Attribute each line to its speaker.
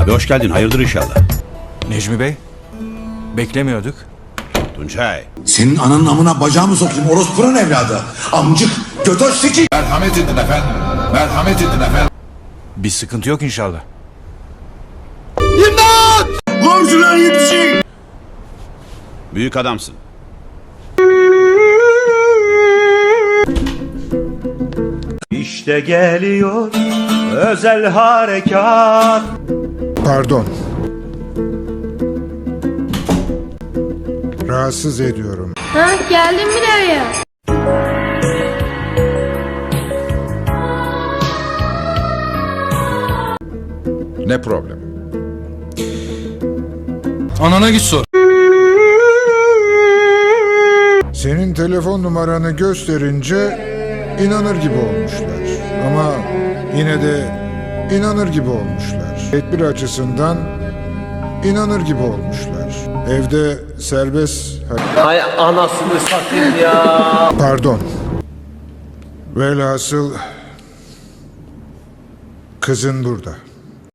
Speaker 1: Hoş geldin, hayırdır inşallah.
Speaker 2: Necmi Bey, beklemiyorduk.
Speaker 1: Tuncay.
Speaker 3: Senin ananın amına bacağımı sokayım orospunun evladı. Amcık, götöz siki.
Speaker 4: Merhamet edin efendim. Merhamet edin efendim.
Speaker 2: Bir sıkıntı yok inşallah.
Speaker 3: Komşular yetişin.
Speaker 1: Büyük adamsın.
Speaker 5: İşte geliyor özel harekat.
Speaker 6: Pardon. Rahatsız ediyorum.
Speaker 7: Ha, geldim bile ya.
Speaker 4: Ne problem?
Speaker 2: Anana git sor.
Speaker 6: Senin telefon numaranı gösterince inanır gibi olmuşlar. Ama yine de inanır gibi olmuşlar. Tedbir açısından inanır gibi olmuşlar. Evde serbest...
Speaker 5: Hay anasını satayım ya.
Speaker 6: Pardon. Velhasıl kızın burada.